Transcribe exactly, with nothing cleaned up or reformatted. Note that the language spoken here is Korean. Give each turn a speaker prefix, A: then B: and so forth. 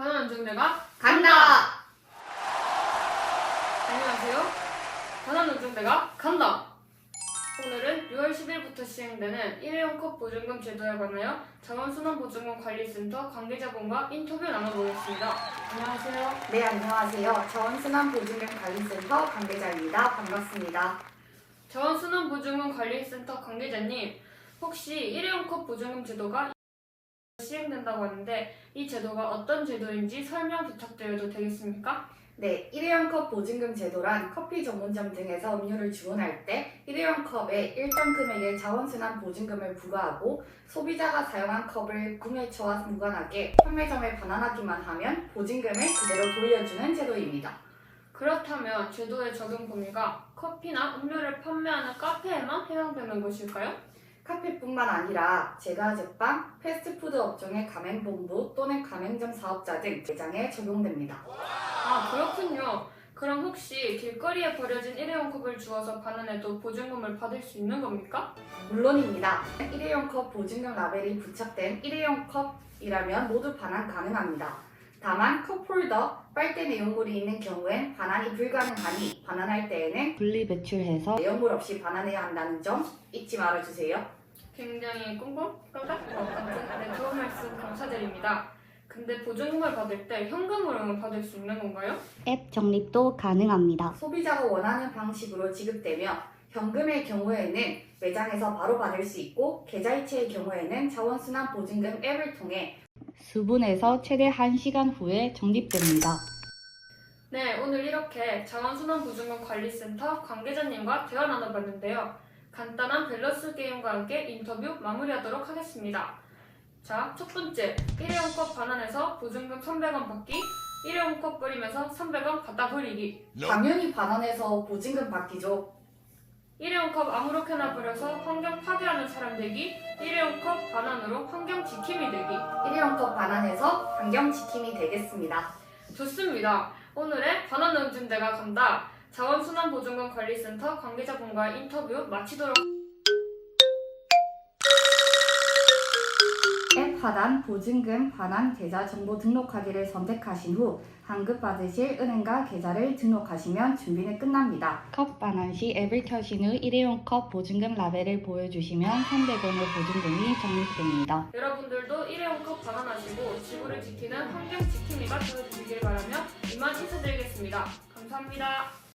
A: 바나나 중대가
B: 간다!
A: 안녕하세요. 바나나 중대가 간다! 오늘은 유월 십일부터 시행되는 일회용 컵 보증금 제도에 관하여 자원순환보증금 관리센터 관계자분과 인터뷰 나눠보겠습니다. 안녕하세요.
B: 네, 안녕하세요. 자원순환보증금 관리센터 관계자입니다. 반갑습니다.
A: 자원순환보증금 관리센터 관계자님, 혹시 일회용 컵 보증금 제도가 시행된다고 하는데 이 제도가 어떤 제도인지 설명 부탁드려도 되겠습니까?
B: 네, 일회용 컵 보증금 제도란 커피 전문점 등에서 음료를 주문할 때 일회용 컵에 일정 금액의 자원순환 보증금을 부과하고 소비자가 사용한 컵을 구매처와 무관하게 판매점에 반환하기만 하면 보증금을 그대로 돌려주는 제도입니다.
A: 그렇다면 제도의 적용 범위가 커피나 음료를 판매하는 카페에만 해당되는 것일까요?
B: 카페뿐만 아니라 제과 제빵, 패스트푸드 업종의 가맹본부 또는 가맹점 사업자 등 매장에 적용됩니다.
A: 아, 그렇군요. 그럼 혹시 길거리에 버려진 일회용 컵을 주워서 반환해도 보증금을 받을 수 있는 겁니까?
B: 물론입니다. 일회용 컵 보증금 라벨이 부착된 일회용 컵이라면 모두 반환 가능합니다. 다만 컵홀더, 빨대 내용물이 있는 경우엔 반환이 불가능하니 반환할 때에는 분리 배출해서 내용물 없이 반환해야 한다는 점 잊지 말아주세요.
A: 굉장히 꽁꽁 깜짝 같은 네, 좋은 말씀 감사드립니다. 근데 보증금을 받을 때 현금으로는 받을 수 있는 건가요?
C: 앱 적립도 가능합니다.
B: 소비자가 원하는 방식으로 지급되며 현금의 경우에는 매장에서 바로 받을 수 있고 계좌이체의 경우에는 자원순환 보증금 앱을 통해
C: 수분에서 최대 한 시간 후에 적립됩니다.
A: 네, 오늘 이렇게 자원순환보증금 관리센터 관계자님과 대화 나눠봤는데요. 간단한 밸런스 게임과 함께 인터뷰 마무리하도록 하겠습니다. 자, 첫 번째, 일회용 컵 반환해서 보증금 삼백 원 받기, 일회용 컵 버리면서 삼백 원 갖다 버리기.
B: 당연히 반환해서 보증금 받기죠.
A: 일회용 컵 아무렇게나 버려서 환경 파괴하는 사람 되기, 일회용 컵 반환으로 환경 지킴이 되기.
B: 일회용 컵 반환해서 환경 지킴이 되겠습니다.
A: 좋습니다. 오늘의 바나나 운전대가 간다. 자원순환보증금 관리센터 관계자분과 인터뷰 마치도록
B: 앱 하단 보증금 반환 계좌 정보 등록하기를 선택하신 후 환급받으실 은행과 계좌를 등록하시면 준비는 끝납니다.
C: 컵 반환 시 앱을 켜신 후 일회용 컵 보증금 라벨을 보여주시면 삼백 원의 보증금이 적립됩니다.
A: 여러분들도 일회용 컵 반환하시고 지구를 지키는 환경 지킴이가 되어주시길 바라며 이만 인사드리겠습니다. 감사합니다.